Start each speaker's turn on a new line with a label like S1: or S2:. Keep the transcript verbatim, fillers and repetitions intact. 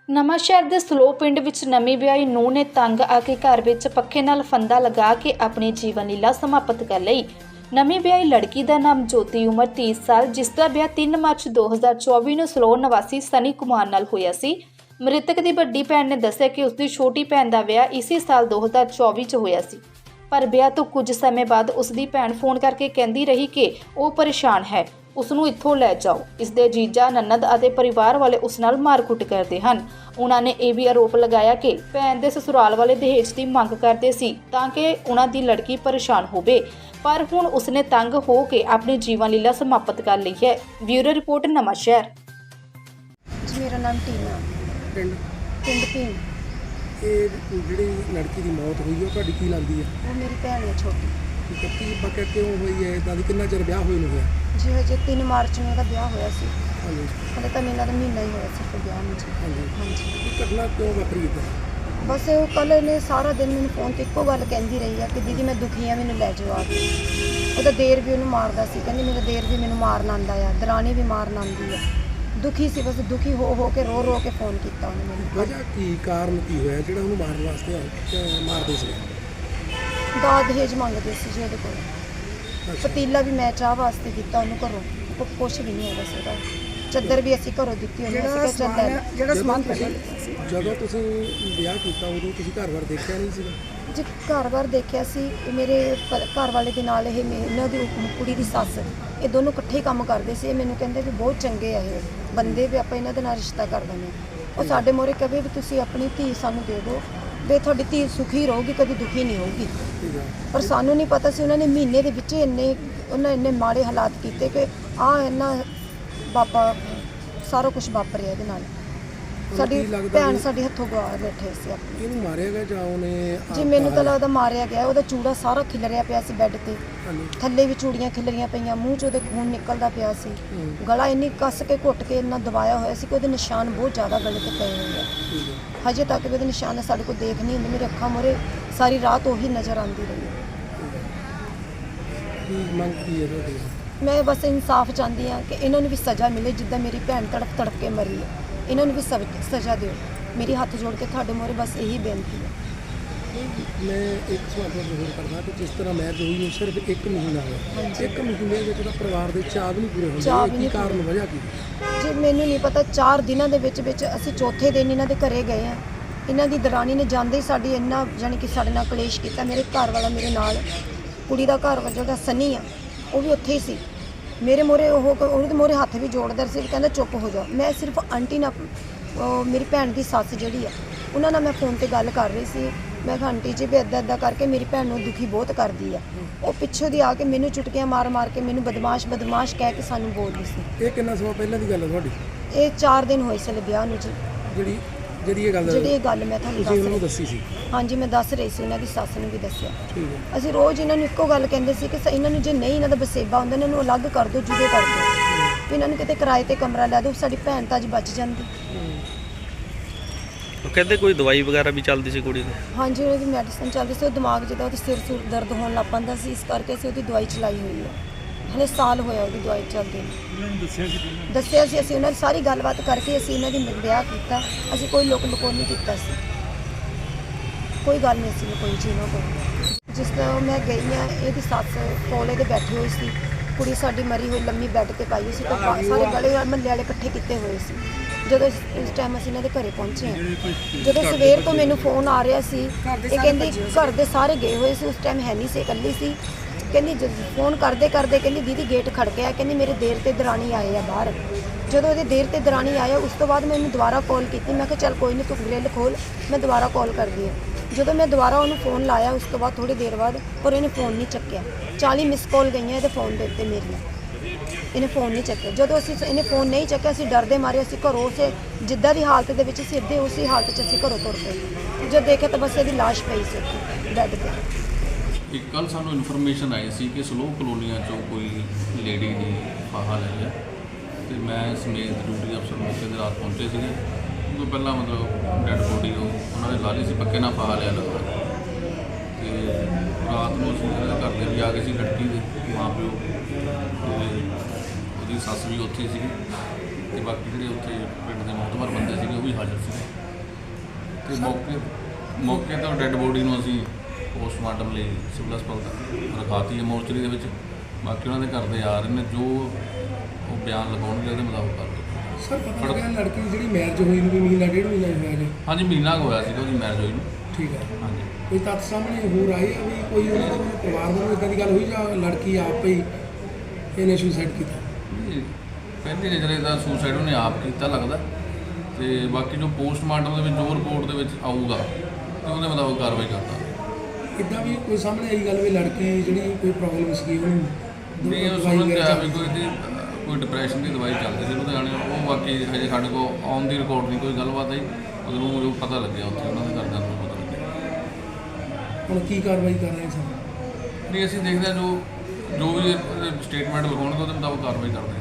S1: ਨਵਾਂਸ਼ਹਿਰ ਦੇ ਸਲੋ ਪਿੰਡ ਵਿੱਚ ਨਵੀਂ ਵਿਆਹੀ ਨੂੰਹ ਨੇ ਤੰਗ ਆ ਕੇ ਘਰ ਵਿੱਚ ਪੱਖੇ ਨਾਲ ਫੰਦਾ ਲਗਾ ਕੇ ਆਪਣੀ ਜੀਵਨ ਲੀਲਾ ਸਮਾਪਤ ਕਰ ਲਈ। ਨਵੀਂ ਵਿਆਹੀ ਲੜਕੀ ਦਾ ਨਾਮ ਜੋਤੀ, ਉਮਰ ਤੀਹ ਸਾਲ, ਜਿਸ ਦਾ ਵਿਆਹ ਤਿੰਨ ਮਾਰਚ ਦੋ ਹਜ਼ਾਰ ਚੌਵੀ ਨੂੰ ਸਲੋ ਨਿਵਾਸੀ ਸਨੀ ਕੁਮਾਰ ਨਾਲ ਹੋਇਆ ਸੀ। ਮ੍ਰਿਤਕ ਦੀ ਵੱਡੀ ਭੈਣ ਨੇ ਦੱਸਿਆ ਕਿ ਉਸ ਦੀ ਛੋਟੀ ਭੈਣ ਦਾ ਵਿਆਹ ਇਸੇ ਸਾਲ ਦੋ ਹਜ਼ਾਰ ਚੌਵੀ 'ਚ ਹੋਇਆ ਸੀ, ਪਰ ਵਿਆਹ ਤੋਂ ਕੁਝ ਸਮੇਂ ਬਾਅਦ ਉਸ ਦੀ ਭੈਣ ਫੋਨ ਕਰਕੇ ਕਹਿੰਦੀ ਰਹੀ ਕਿ ਉਹ ਪਰੇਸ਼ਾਨ ਹੈ, ਉਸ ਨੂੰ ਇੱਥੋਂ ਲੈ ਜਾਓ। ਇਸ ਦੇ ਜੀਜਾ, ਨਨਦ ਅਤੇ ਪਰਿਵਾਰ ਵਾਲੇ ਉਸ ਨਾਲ ਮਾਰਕੁੱਟ ਕਰਦੇ ਹਨ। ਉਹਨਾਂ ਨੇ ਇਹ ਵੀ ਆਰੋਪ ਲਗਾਇਆ ਕਿ ਭੈਣ ਦੇ ਸਸੁਰਾਲ ਵਾਲੇ ਦਹੇਜ ਦੀ ਮੰਗ ਕਰਦੇ ਸੀ ਤਾਂ ਕਿ ਉਹਨਾਂ ਦੀ ਲੜਕੀ ਪਰੇਸ਼ਾਨ ਹੋਵੇ, ਪਰ ਹੁਣ ਉਸਨੇ ਤੰਗ ਹੋ ਕੇ ਆਪਣੀ ਜੀਵਨ ਲੀਲਾ ਸਮਾਪਤ ਕਰ ਲਈ ਹੈ। Bureau report, Nawanshahr.
S2: ਜੀ ਮੇਰਾ ਨਾਮ ਟੀਨਾ,
S3: ਪਿੰਡ
S2: ਪਿੰਡ ਭੀਮ।
S3: ਇਹ ਜਿਹੜੀ ਲੜਕੀ ਦੀ ਮੌਤ ਹੋਈ ਹੈ ਉਹ ਤੁਹਾਡੀ ਕੀ ਲੱਗਦੀ ਹੈ?
S2: ਉਹ ਮੇਰੀ ਭੈਣ ਹੈ ਛੋਟੀ।
S3: ਠੀਕ ਹੈ, ਕੀ ਪੱਕਾ ਕਿਉਂ ਹੋਈ ਹੈ? ਇਦਾਂ ਦੀ ਕਿੰਨਾ ਚਿਰ ਵਿਆਹ ਹੋਏ ਨੂੰ ਹੋਇਆ?
S2: ਜੀ ਹਜੇ ਤਿੰਨ ਮਾਰਚ ਨੂੰ ਇਹਦਾ ਵਿਆਹ ਹੋਇਆ ਸੀ।
S3: ਹਾਂਜੀ
S2: ਹਲੇ ਤਾਂ ਇਹਨਾਂ ਦਾ ਮਹੀਨਾ ਹੀ ਹੋਇਆ ਸੀ ਫਿਰ ਵਿਆਹ ਨੂੰ ਜੀ।
S3: ਹਾਂਜੀ
S2: ਹਾਂਜੀ,
S3: ਇਹ ਘਟਨਾ ਕਿਉਂ ਵਾਪਰੀ ਇੱਦਾਂ?
S2: ਬਸ ਉਹ ਕੱਲ੍ਹ ਇਹਨੇ ਸਾਰਾ ਦਿਨ ਮੈਨੂੰ ਫੋਨ 'ਤੇ ਇੱਕੋ ਗੱਲ ਕਹਿੰਦੀ ਰਹੀ ਆ ਕਿ ਦੀਦੀ ਮੈਂ ਦੁਖੀ ਆ, ਮੈਨੂੰ ਲੈ ਜਾਓ ਆ ਕੇ। ਉਹਦਾ ਦੇਰ ਵੀ ਉਹਨੂੰ ਮਾਰਦਾ ਸੀ, ਕਹਿੰਦੀ ਮੇਰਾ ਦੇਰ ਵੀ ਮੈਨੂੰ ਮਾਰਨ ਆਉਂਦਾ ਆ, ਦਰਾਣੀ ਵੀ ਮਾਰਨ ਆਉਂਦੀ ਆ। ਦੁਖੀ ਸੀ, ਬਸ ਦੁਖੀ ਹੋ ਹੋ ਕੇ ਰੋ ਰੋ ਕੇ ਫੋਨ ਕੀਤਾ ਉਹਨੇ ਮੈਨੂੰ।
S3: ਵਜ੍ਹਾ ਕੀ, ਕਾਰਨ ਕੀ ਹੋਇਆ ਜਿਹੜਾ ਉਹਨੂੰ ਮਾਰਨ ਵਾਸਤੇ ਆ- ਮਾਰਦੇ ਸੀ?
S2: ਦਾਜ ਦਹੇਜ ਮੰਗਦੇ ਸੀ ਜੀ ਉਹਦੇ ਕੋਲ। ਪਤੀਲਾ ਵੀ ਮੈਂ ਚਾਹ ਵਾਸਤੇ ਦਿੱਤਾ ਉਹਨੂੰ ਘਰੋਂ, ਕੋ ਕੁਛ ਵੀ ਨਹੀਂ ਹੈਗਾ ਸੀ ਉਹਦਾ। ਚੱਦਰ ਵੀ ਅਸੀਂ ਘਰੋਂ ਦਿੱਤੀ ਉਹਨੂੰ। ਅਸੀਂ ਕਿਹਾ ਚੱਲ ਲੈ ਲੈ।
S3: ਜਿਹੜਾ ਸਮਾਨ ਜਦੋਂ ਤੁਸੀਂ ਵਿਆਹ ਕੀਤਾ ਉਦੋਂ ਤੁਸੀਂ ਘਰ-ਬਾਰ ਦੇਖਿਆ ਨਹੀਂ ਸੀਗਾ?
S2: ਜੀ ਘਰ-ਬਾਰ ਦੇਖਿਆ ਸੀ। ਮੇਰੇ ਪ- ਘਰ ਵਾਲੇ ਦੇ ਨਾਲ ਇਹ ਮੇ- ਇਹਨਾਂ ਦੀ ਕੁੜੀ ਦੀ ਸੱਸ, ਇਹ ਦੋਨੋਂ ਇਕੱਠੇ ਕੰਮ ਕਰਦੇ ਸੀ। ਇਹ ਮੈਨੂੰ ਕਹਿੰਦੇ ਵੀ ਬਹੁਤ ਚੰਗੇ ਆ ਇਹ ਬੰਦੇ, ਵੀ ਆਪਾਂ ਇਹਨਾਂ ਦੇ ਨਾਲ ਰਿਸ਼ਤਾ ਕਰ ਦਿੰਦੇ ਹਾਂ। ਉਹ ਸਾਡੇ ਮੋਰੇ ਕਹੇ ਵੀ ਤੁਸੀਂ ਆਪਣੀ ਧੀ ਸਾਨੂੰ ਦੇ ਦਿਓ, ਵੀ ਤੁਹਾਡੀ ਧੀ ਸੁਖੀ ਰਹੂਗੀ, ਕਦੀ ਦੁਖੀ ਨਹੀਂ ਹੋਊਗੀ।
S3: ਠੀਕ ਹੈ,
S2: ਪਰ ਸਾਨੂੰ ਨਹੀਂ ਪਤਾ ਸੀ ਉਹਨਾਂ ਨੇ ਮਹੀਨੇ ਦੇ ਵਿੱਚ ਇੰਨੇ ਉਹਨਾਂ ਇੰਨੇ ਮਾੜੇ ਹਾਲਾਤ ਕੀਤੇ ਕਿ ਆਹ ਇਹਨਾਂ ਬਾਪਾ ਸਾਰਾ ਕੁਝ ਵਾਪਰਿਆ ਇਹਦੇ ਨਾਲ। ਸਾਡੀ
S3: ਕੀ ਲੱਗਦਾ
S2: ਭੈਣ
S3: ਵੀ-
S2: ਸਾਡੀ ਹੱਥੋਂ ਗਵਾ ਬੈਠੇ ਸੀ ਆਪਣੀ।
S3: ਇਹਨੂੰ ਮਾਰਿਆ ਗਿਆ ਜਾਂ ਉਹਨੇ
S2: ਜੀ
S3: ਆਪ
S2: ਮੈਨੂੰ ਤਾਂ
S3: ਮਾਰਿਆ?
S2: ਲੱਗਦਾ ਮਾਰਿਆ ਗਿਆ। ਉਹਦਾ ਚੂੜਾ ਸਾਰਾ ਖਿਲਰਿਆ ਪਿਆ ਸੀ ਬੈੱਡ ਤੇ,
S3: ਹਾਂਜੀ
S2: ਥੱਲੇ ਵੀ ਚੂੜੀਆਂ ਖਿਲਰੀਆਂ ਪਈਆਂ, ਮੂੰਹ 'ਚ ਉਹਦੇ ਖੂਨ ਨਿਕਲਦਾ ਪਿਆ ਸੀ।
S3: ਹੂੰ,
S2: ਗਲਾ ਇੰਨੀ ਕੱਸ ਕੇ ਘੁੱਟ ਕੇ ਇੰਨਾ ਦਬਾਇਆ ਹੋਇਆ ਸੀ ਕਿ ਉਹਦੇ ਨਿਸ਼ਾਨ ਬਹੁਤ ਜ਼ਿਆਦਾ ਗਲੇ ਤੇ ਪਏ ਹੋਏ ਆ।
S3: ਠੀਕ ਹੈ,
S2: ਹਜੇ ਤੱਕ ਵੀ ਉਹਦੇ ਨਿਸ਼ਾਨ ਸਾਡੇ ਕੋਲ ਦੇਖ ਨਹੀਂ ਹੁੰਦੇ। ਮੇਰੀ ਅੱਖਾਂ ਮੂਹਰੇ ਸਾਰੀ ਰਾਤ ਉਹੀ ਨਜ਼ਰ ਆਉਂਦੀ ਰਹੀ ਹੈ।
S3: ਠੀਕ ਹੈ। ਕੀ ਮੰਗ ਕੀ ਹੈ ਤੁਹਾਡੀ?
S2: ਮੈਂ ਬਸ ਇਨਸਾਫ ਚਾਹੁੰਦੀ ਹਾਂ ਕਿ ਇਹਨਾਂ ਨੂੰ ਵੀ ਸਜ਼ਾ ਮਿਲੇ ਜਿੱਦਾਂ ਮੇਰੀ ਭੈਣ ਤੜਫ ਤੜਫ ਕੇ ਮਰੀ ਹੈ। ਇਹਨਾਂ ਨੂੰ ਵੀ ਸਵ- ਸਜ਼ਾ ਦਿਓ। ਮੇਰੀ ਹੱਥ ਜੋੜ ਕੇ ਤੁਹਾਡੇ ਮੂਹਰੇ ਬਸ ਇਹੀ ਬੇਨਤੀ ਹੈ।
S3: ਮੈਂ ਇੱਕ ਸਵਾਲ ਤੁਹਾਨੂੰ ਹੋਰ ਕਰਦਾ ਕਿ ਜਿਸ ਤਰ੍ਹਾਂ ਮੈਰਿਜ ਹੋਈ ਨੂੰ ਸਿਰਫ ਇੱਕ ਮਹੀਨਾ ਹੋਇਆ, ਇੱਕ ਮਹੀਨੇ ਵਿੱਚ ਤਾਂ ਪਰਿਵਾਰ ਦੇ ਚਾਅ ਵੀ ਨਹੀਂ ਪੂਰੇ ਹੁੰਦੇ।
S2: ਚਾਅ
S3: ਇਹ
S2: ਵੀ
S3: ਕੀ
S2: ਨਹੀਂ
S3: ਕਾਰਨ
S2: ਪੂਰੇ।
S3: ਵਜ੍ਹਾ ਕੀ?
S2: ਜੀ ਮੈਨੂੰ ਨਹੀਂ ਪਤਾ। ਚਾਰ ਦਿਨਾਂ ਦੇ ਵਿੱਚ ਵਿੱਚ ਅਸੀਂ ਚੌਥੇ ਦਿਨ ਇਹਨਾਂ ਦੇ ਘਰੇ ਗਏ ਆ। ਇਹਨਾਂ ਦੀ ਦਰਾਣੀ ਨੇ ਜਾਂਦੇ ਹੀ ਸਾਡੀ ਇੰਨਾ ਜਾਣੀ ਕਿ ਸਾਡੇ ਨਾਲ ਕਲੇਸ਼ ਕੀਤਾ। ਮੇਰੇ ਘਰ ਵਾਲਾ ਮੇਰੇ ਨਾਲ, ਕੁੜੀ ਦਾ ਘਰ ਵਾਲਾ ਜਿਹੜਾ ਸਨੀ ਆ ਉਹ ਵੀ ਉੱਥੇ ਹੀ ਸੀ। ਮੇਰੇ ਮੋਰੇ ਉਹ ਉਹਦੇ ਮੋਰੇ ਹੱਥ ਵੀ ਜੋੜਦਾ ਸੀ, ਕਹਿੰਦਾ ਚੁੱਪ ਹੋ ਜਾ। ਮੈਂ ਸਿਰਫ ਆਂਟੀ ਨਾਲ, ਉਹ ਮੇਰੀ ਭੈਣ ਦੀ ਸੱਸ ਜਿਹੜੀ ਆ, ਉਹਨਾਂ ਨਾਲ ਮੈਂ ਫੋਨ ਤੇ ਗੱਲ ਕਰ ਰਹੀ ਸੀ। ਮੈਂ ਕਿਹਾ ਆਂਟੀ ਜੀ ਵੀ ਇੱਦਾਂ ਇੱਦਾਂ ਕਰਕੇ ਮੇਰੀ ਭੈਣ ਨੂੰ ਦੁਖੀ ਬਹੁਤ ਕਰਦੀ ਆ। ਉਹ ਪਿੱਛੋਂ ਦੀ ਆ ਕੇ ਮੈਨੂੰ ਚੁਟਕੀਆਂ ਮਾਰ ਮਾਰ ਕੇ ਮੈਨੂੰ ਬਦਮਾਸ਼ ਬਦਮਾਸ਼ ਕਹਿ ਕੇ ਸਾਨੂੰ ਬੋਲਦੀ ਸੀ।
S3: ਇਹ ਕਿੰਨਾ ਸਮਾਂ ਪਹਿਲਾਂ ਦੀ ਗੱਲ ਹੈ ਤੁਹਾਡੀ?
S2: ਇਹ ਚਾਰ ਦਿਨ ਹੋਏ ਸੀ ਵਿਆਹ ਨੂੰ ਜੀ।
S3: ਜਿਹੜੀ ਜਿਹੜੀ ਇਹ ਗੱਲ
S2: ਜਿਹੜੀ ਇਹ ਗੱਲ ਮੈਂ ਤੁਹਾਨੂੰ
S3: ਤੁਸੀਂ
S2: ਦੱਸ
S3: ਉਹਨੂੰ
S2: ਰਹੀ
S3: ਦੱਸੀ ਸੀ?
S2: ਹਾਂਜੀ, ਮੈਂ ਦੱਸ ਰਹੀ ਸੀ। ਇਹਨਾਂ ਦੀ ਸੱਸ ਨੂੰ ਵੀ ਦੱਸਿਆ।
S3: ਠੀਕ ਹੈ,
S2: ਅਸੀਂ ਰੋਜ਼ ਇਹਨਾਂ ਨੂੰ ਇੱਕੋ ਗੱਲ ਕਹਿੰਦੇ ਸੀ ਕਿ ਸ- ਇਹਨਾਂ ਨੂੰ ਜੇ ਨਹੀਂ ਇਹਨਾਂ ਦਾ ਵਸੇਬਾ ਹੁੰਦਾ ਇਹਨਾਂ ਨੂੰ ਅਲੱਗ ਕਰ ਦਿਓ, ਜੁਦੇ ਕਰ ਦਿਓ, ਵੀ ਇਹਨਾਂ ਨੂੰ ਕਿਤੇ ਕਿਰਾਏ ਤੇ ਕਮਰਾ ਲੈ ਦਿਓ, ਸਾਡੀ ਭੈਣ ਤਾਂ ਅੱਜ ਬਚ ਜਾਂਦੀ।
S4: ਉਹ ਕਹਿੰਦੇ ਕੋਈ ਦਵਾਈ ਵਗੈਰਾ ਵੀ ਚੱਲਦੀ ਸੀ ਕੁੜੀ ਦੀ?
S2: ਹਾਂਜੀ, ਉਹਦੀ ਮੈਡੀਸਨ ਚੱਲਦੀ ਸੀ। ਉਹ ਦਿਮਾਗ ਜਿਹਦਾ ਉਹਦੇ ਸਿਰ ਸੁਰ ਦਰਦ ਹੋਣ ਲੱਗ ਪੈਂਦਾ ਸੀ, ਇਸ ਕਰਕੇ ਅਸੀਂ ਉਹਦੀ ਦਵਾਈ ਚਲਾਈ ਹੋਈ ਹੈ। ਹਲੇ ਸਾਲ ਹੋਇਆ ਉਹਦੀ ਦਵਾਈ ਚੱਲਦੀ ਨੂੰ। ਦੱਸਿਆ ਸੀ ਅਸੀਂ ਉਹਨਾਂ ਦੀ ਸਾਰੀ ਗੱਲਬਾਤ ਕਰਕੇ ਅਸੀਂ ਇਹਨਾਂ ਦੀ ਵਿਆਹ ਕੀਤਾ। ਅਸੀਂ ਕੋਈ ਲੁਕ ਲੁਕੋ ਨਹੀਂ ਕੀਤਾ ਸੀ, ਕੋਈ ਗੱਲ ਨਹੀਂ ਸੀ ਕੋਈ ਚੀਜ਼ ਨਾ ਕੋਈ। ਜਿਸ ਤਰ੍ਹਾਂ ਮੈਂ ਗਈ ਹਾਂ, ਇਹਦੀ ਸੱਸ ਕੋਲੇ ਦੇ ਬੈਠੀ ਹੋਈ ਸੀ, ਕੁੜੀ ਸਾਡੀ ਮਰੀ ਹੋਈ ਲੰਮੀ ਬੈੱਡ ਤੇ ਪਾਈ ਹੋਈ ਸੀ, ਤਾਂ ਸਾਰੇ ਗਲੇ ਮਹੱਲੇ ਵਾਲੇ ਇਕੱਠੇ ਕੀਤੇ ਹੋਏ ਸੀ। ਜਦੋਂ ਇਸ ਇਸ ਟਾਈਮ ਅਸੀਂ ਇਹਨਾਂ ਦੇ ਘਰੇ ਪਹੁੰਚੇ ਹਾਂ, ਜਦੋਂ ਸਵੇਰ ਤੋਂ ਮੈਨੂੰ ਫੋਨ ਆ ਰਿਹਾ ਸੀ, ਇਹ ਕਹਿੰਦੀ ਘਰ ਦੇ ਸਾਰੇ ਗਏ ਹੋਏ ਸੀ, ਉਸ ਟਾਈਮ ਹੈ ਨਹੀਂ ਸੀ, ਇਕੱਲੀ ਸੀ। ਕਹਿੰਦੀ ਜਦ ਫੋਨ ਕਰਦੇ ਕਰਦੇ ਕਹਿੰਦੀ ਦੀਦੀ ਗੇਟ ਖੜਕਿਆ, ਕਹਿੰਦੀ ਮੇਰੇ ਦੇਰ ਤੇ ਦਰਾਣੀ ਆਏ ਆ ਬਾਹਰ। ਜਦੋਂ ਇਹਦੇ ਦੇਰ ਤੇ ਦਰਾਣੀ ਆਇਆ, ਉਸ ਤੋਂ ਬਾਅਦ ਮੈਂ ਉਹਨੂੰ ਦੁਬਾਰਾ ਕਾਲ ਕੀਤੀ। ਮੈਂ ਕਿਹਾ ਚੱਲ ਕੋਈ ਨਹੀਂ, ਤੂੰ ਗ੍ਰਿਲ ਖੋਲ, ਮੈਂ ਦੁਬਾਰਾ ਕਾਲ ਕਰਦੀ ਹਾਂ। ਜਦੋਂ ਮੈਂ ਦੁਬਾਰਾ ਉਹਨੂੰ ਫੋਨ ਲਾਇਆ, ਉਸ ਤੋਂ ਬਾਅਦ ਥੋੜ੍ਹੀ ਦੇਰ ਬਾਅਦ, ਪਰ ਇਹਨੇ ਫੋਨ ਨਹੀਂ ਚੱਕਿਆ। ਚਾਲੀ ਮਿਸ ਕਾਲ ਗਈਆਂ ਇਹਦੇ ਫੋਨ ਦੇ ਉੱਤੇ ਮੇਰੀਆਂ, ਇਹਨੇ ਫੋਨ ਨਹੀਂ ਚੱਕਿਆ। ਜਦੋਂ ਅਸੀਂ ਇਹਨੇ ਫੋਨ ਨਹੀਂ ਚੱਕਿਆ, ਅਸੀਂ ਡਰਦੇ ਮਾਰੇ ਅਸੀਂ ਘਰੋਂ ਉਸੇ ਜਿੱਦਾਂ ਦੀ ਹਾਲਤ ਦੇ ਵਿੱਚ ਸਿੱਧੇ ਉਸੇ ਹਾਲਤ 'ਚ ਅਸੀਂ ਘਰੋਂ ਤੁਰ ਪਏ। ਜਦ ਦੇਖਿਆ ਤਾਂ ਬਸ ਇਹਦੀ ਲਾਸ਼ ਪਈ ਸੀ ਉੱਥੇ ਬੈੱਡ 'ਤੇ।
S5: ਇੱਕ ਕੱਲ੍ਹ ਸਾਨੂੰ ਇਨਫੋਰਮੇਸ਼ਨ ਆਈ ਸੀ ਕਿ ਸਲੋ ਕਲੋਨੀਆਂ 'ਚੋਂ ਕੋਈ ਲੇਡੀ ਦੀ ਫਾਹਾ ਲੈ ਲਿਆ, ਅਤੇ ਮੈਂ ਸਮੇਤ ਡਿਊਟੀ ਅਫਸਰ ਮੌਕੇ 'ਤੇ ਰਾਤ ਪਹੁੰਚੇ ਸੀਗੇ। ਉਹ ਤੋਂ ਪਹਿਲਾਂ ਮਤਲਬ ਡੈੱਡ ਬੋਡੀ ਉਹ ਉਹਨਾਂ ਨੇ ਲਾ ਲਈ ਸੀ, ਪੱਕੇ ਨਾਲ ਫਾਹਾ ਲਿਆ ਲੱਗਦਾ। ਅਤੇ ਰਾਤ ਨੂੰ ਅਸੀਂ ਉਹਦੇ ਘਰ ਦੇ ਵੀ ਆ ਗਏ ਸੀ, ਲੜਕੀ ਦੇ ਮਾਂ ਪਿਓ ਅਤੇ ਉਹਦੀ ਸੱਸ ਵੀ ਉੱਥੇ ਸੀਗੀ, ਅਤੇ ਬਾਕੀ ਜਿਹੜੇ ਉੱਥੇ ਪਿੰਡ ਦੇ ਮੁਤਬਰ ਬੰਦੇ ਸੀਗੇ ਉਹ ਵੀ ਵੀ ਹਾਜ਼ਰ ਸੀ ਤੇ ਮੌਕੇ ਮੌਕੇ ਤੋਂ ਡੈੱਡ ਬੋਡੀ ਨੂੰ ਅਸੀਂ ਪੋਸਟਮਾਰਟਮ ਲਈ ਸਿਵਲ ਹਸਪਤਾਲ ਦਾ ਰਖਾਤੀ ਹੈ ਮੋਰਚਰੀ ਦੇ ਵਿੱਚ। ਬਾਕੀ ਉਹਨਾਂ ਦੇ ਘਰ ਦੇ ਆ ਰਹੇ ਨੇ, ਜੋ ਉਹ ਬਿਆਨ ਲਗਾਉਣਗੇ ਉਹਦੇ ਮੁਤਾਬਕ ਕਰ ਦਿਓ।
S3: ਸਰ ਪਤਾ ਲੱਗਿਆ ਲੜਕੀ ਦੀ ਜਿਹੜੀ ਮੈਰਿਜ ਹੋਈ ਨੂੰ ਵੀ ਮਹੀਨਾ ਡੇਢ ਮਹੀਨਾ ਹੀ ਹੋਇਆ ਜੀ।
S5: ਹਾਂਜੀ ਮਹੀਨਾ ਕੁ ਹੋਇਆ ਸੀਗਾ ਉਹਦੀ ਮੈਰਿਜ ਹੋਈ ਨੂੰ।
S3: ਠੀਕ ਹੈ।
S5: ਹਾਂਜੀ
S3: ਕੋਈ ਤੱਥ ਸਾਹਮਣੇ ਹੋਰ ਆਏ ਆ ਵੀ ਕੋਈ ਉਹਨਾਂ ਦੇ ਪਰਿਵਾਰ ਵੱਲੋਂ ਇੱਦਾਂ ਦੀ ਗੱਲ ਹੋਈ ਜਾਂ ਲੜਕੀ ਆਪ ਹੀ ਇਹਨੇ ਸੁਸਾਈਡ ਕੀਤਾ?
S5: ਨਹੀਂ, ਪਹਿਲੀ ਨਜ਼ਰੇ ਦਾ ਸੁਸਾਈਡ ਉਹਨੇ ਆਪ ਕੀਤਾ ਲੱਗਦਾ, ਤੇ ਬਾਕੀ ਜੋ ਪੋਸਟਮਾਰਟਮ ਦੇ ਵਿੱਚ ਜੋ ਰਿਪੋਰਟ ਦੇ ਵਿੱਚ ਆਊਗਾ ਤੇ ਉਹਦੇ ਮੁਤਾਬਕ ਕਾਰਵਾਈ ਕਰਦਾ।
S3: ਇੱਦਾਂ ਵੀ ਕੋਈ ਸਾਹਮਣੇ ਆਈ ਗੱਲ ਵੀ ਲੜਕੀ ਜਿਹੜੀ ਕੋਈ ਪ੍ਰੋਬਲਮ ਸੀਗੀ ਉਹਨੂੰ
S5: ਨਹੀਂ ਉਹ
S3: ਦਵਾਈ
S5: ਸੁਣਨ ਤੇ
S3: ਵਗੈਰਾ
S5: ਆਇਆ ਵੀ ਕੋਈ ਇਹਦੀ ਕੋਈ ਡਿਪਰੈਸ਼ਨ ਦੀ ਦਵਾਈ ਚੱਲਦੀ ਸੀ ਲੁਧਿਆਣੇ, ਉਹ ਬਾਕੀ ਹਜੇ ਸਾਡੇ ਕੋਲ ਔਨ ਦੀ ਰਿਕਾਰਡ ਨਹੀਂ ਕੋਈ ਗੱਲਬਾਤ ਆਈ, ਉਹਨੂੰ ਜੋ ਪਤਾ ਲੱਗਿਆ ਉੱਥੇ ਉਹਨਾਂ ਦੇ ਘਰਦਿਆਂ ਨੂੰ ਪਤਾ ਲੱਗਿਆ।
S3: ਹੁਣ ਕੀ ਕਾਰਵਾਈ ਕਰ ਰਹੇ ਸਰ?
S5: ਨਹੀਂ ਅਸੀਂ ਦੇਖਦੇ ਹਾਂ ਜੋ ਜੋ ਵੀ ਸਟੇਟਮੈਂਟ ਲਿਖਾਉਣਗੇ ਉਹਦੇ ਮੁਤਾਬਕ ਕਾਰਵਾਈ ਕਰਦੇ ਹਾਂ।